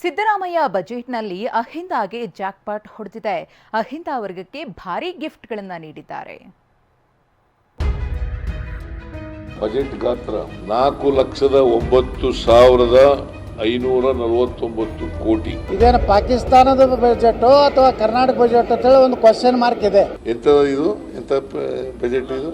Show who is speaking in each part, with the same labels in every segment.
Speaker 1: ಸಿದ್ದರಾಮಯ್ಯ ಬಜೆಟ್ನಲ್ಲಿ ಅಹಿಂದಾಗೆ ಜಾಕ್ಪಾಟ್ ಹೊಡೆದಿದೆ. ಅಹಿಂದ ವರ್ಗಕ್ಕೆ ಭಾರೀ ಗಿಫ್ಟ್ಗಳನ್ನು ನೀಡಿದ್ದಾರೆ.
Speaker 2: ಬಜೆಟ್ ಗಾತ್ರ 4,09,549 ಕೋಟಿ.
Speaker 3: ಇದೇನು ಪಾಕಿಸ್ತಾನದ ಬಜೆಟ್ ಅಥವಾ ಕರ್ನಾಟಕ ಬಜೆಟ್ ಅಂತ ಹೇಳಿ ಒಂದು ಕ್ವಶನ್ ಮಾರ್ಕ್ ಇದೆ.
Speaker 2: ಎಂತ ಬಜೆಟ್ ಇದು?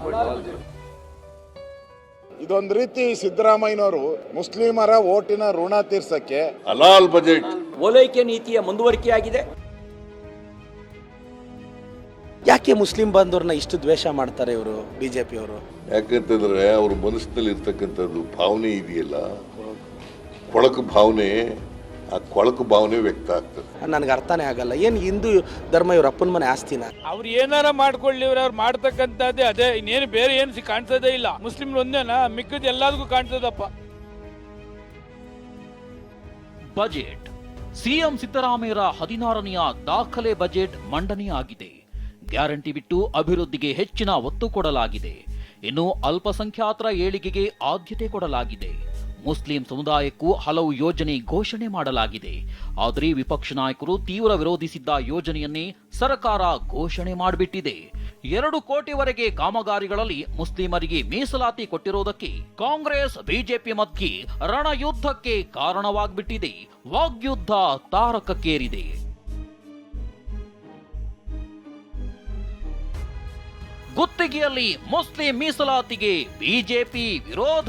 Speaker 4: ಇದೊಂದು ರೀತಿ ಸಿದ್ದರಾಮಯ್ಯನವರು ಮುಸ್ಲಿಮರ ಓಟಿನ ಋಣ ತೀರ್ಸಕ್ಕೆ
Speaker 2: ಹಲಾಲ್ ಬಜೆಟ್.
Speaker 5: ಓಲೈಕೆ ನೀತಿಯ ಮುಂದುವರಿಕೆಯಾಗಿದೆ.
Speaker 3: ಯಾಕೆ ಮುಸ್ಲಿಂ ಬಾಂಧವ್ರನ್ನ ಇಷ್ಟು ದ್ವೇಷ ಮಾಡ್ತಾರೆ ಇವರು ಬಿಜೆಪಿಯವರು?
Speaker 2: ಯಾಕಂತಂದ್ರೆ ಅವ್ರ ಮನಸ್ಸಿನಲ್ಲಿ ಇರ್ತಕ್ಕಂಥದ್ದು ಭಾವನೆ ಇದೆಯಲ್ಲ, ಕೊಳಕು ಭಾವನೆ, ಆ ಕೊಳಕು ಭಾವನೆ ವ್ಯಕ್ತ ಆಗ್ತದೆ.
Speaker 3: ನನಗೆ ಅರ್ಥನೇ ಆಗಲ್ಲ. ಏನು ಹಿಂದೂ ಧರ್ಮ ಇವ್ರ ಅಪ್ಪನ ಮನೆ ಆಸ್ತಿನ?
Speaker 6: ಅವ್ರು ಏನಾರ ಮಾಡ್ಕೊಳ್ಳಿ, ಅವ್ರು ಮಾಡ್ತಕ್ಕಂಥದ್ದೇ ಅದೇ, ಇನ್ನೇನು ಬೇರೆ ಏನು ಕಾಣಿಸೋದೇ ಇಲ್ಲ. ಮುಸ್ಲಿಂ ಒಂದೇನಾ, ಮಿಕ್ಕದ ಎಲ್ಲದಕ್ಕೂ ಕಾಣ್ತದಪ್ಪ.
Speaker 7: ಬಜೆಟ್ ಸಿಎಂ ಸಿದ್ದರಾಮಯ್ಯರ 16ನೆಯ ದಾಖಲೆ ಬಜೆಟ್ ಮಂಡನೆಯಾಗಿದೆ. ಗ್ಯಾರಂಟಿ ಬಿಟ್ಟು ಅಭಿವೃದ್ಧಿಗೆ ಹೆಚ್ಚಿನ ಒತ್ತು ಕೊಡಲಾಗಿದೆ. ಇನ್ನು ಅಲ್ಪಸಂಖ್ಯಾತರ ಏಳಿಗೆಗೆ ಆದ್ಯತೆ ಕೊಡಲಾಗಿದೆ. ಮುಸ್ಲಿಂ ಸಮುದಾಯಕ್ಕೂ ಹಲವು ಯೋಜನೆ ಘೋಷಣೆ ಮಾಡಲಾಗಿದೆ. ಆದರೆ ವಿಪಕ್ಷ ನಾಯಕರು ತೀವ್ರ ವಿರೋಧಿಸಿದ್ದ ಯೋಜನೆಯನ್ನೇ ಸರ್ಕಾರ ಘೋಷಣೆ ಮಾಡಿಬಿಟ್ಟಿದೆ. 2 ಕೋಟಿವರೆಗೆ ಕಾಮಗಾರಿಗಳಲ್ಲಿ ಮುಸ್ಲಿಮರಿಗೆ ಮೀಸಲಾತಿ ಕೊಟ್ಟಿರುವುದಕ್ಕೆ ಕಾಂಗ್ರೆಸ್ ಬಿಜೆಪಿ ಮಧ್ಯೆ ರಣಯುದ್ಧಕ್ಕೆ ಕಾರಣವಾಗ್ಬಿಟ್ಟಿದೆ. ವಾಗ್ಯುದ್ಧ ತಾರಕಕ್ಕೇರಿದೆ. ಗುತ್ತಿಗೆಯಲ್ಲಿ ಮುಸ್ಲಿಂ ಮೀಸಲಾತಿಗೆ ಬಿಜೆಪಿ ವಿರೋಧ.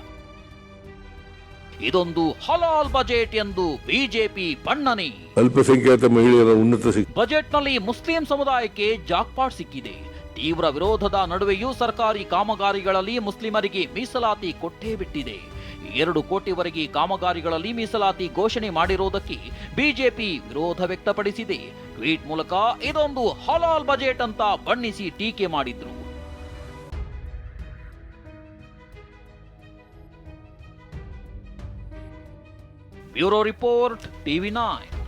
Speaker 7: ಇದೊಂದು ಹಲಾಲ್ ಬಜೆಟ್ ಎಂದು ಬಿಜೆಪಿ ಬಣ್ಣನೆ.
Speaker 2: ಅಲ್ಪಸಂಖ್ಯಾತ ಮಹಿಳೆಯರ ಉನ್ನತ
Speaker 7: ಬಜೆಟ್ನಲ್ಲಿ ಮುಸ್ಲಿಂ ಸಮುದಾಯಕ್ಕೆ ಜಾಕ್ಪಾಟ್ ಸಿಕ್ಕಿದೆ. ತೀವ್ರ ವಿರೋಧದ ನಡುವೆಯೂ ಸರ್ಕಾರಿ ಕಾಮಗಾರಿಗಳಲ್ಲಿ ಮುಸ್ಲಿಮರಿಗೆ ಮೀಸಲಾತಿ ಕೊಟ್ಟೇ ಬಿಟ್ಟಿದೆ. 2 ಕೋಟಿವರೆಗೆ ಕಾಮಗಾರಿಗಳಲ್ಲಿ ಮೀಸಲಾತಿ ಘೋಷಣೆ ಮಾಡಿರುವುದಕ್ಕೆ ಬಿಜೆಪಿ ವಿರೋಧ ವ್ಯಕ್ತಪಡಿಸಿದೆ. ಟ್ವೀಟ್ ಮೂಲಕ ಇದೊಂದು ಹಲಾಲ್ ಬಜೆಟ್ ಅಂತ ಬಣ್ಣಿಸಿ ಟೀಕೆ ಮಾಡಿದ್ರು. Bureau report, TV9.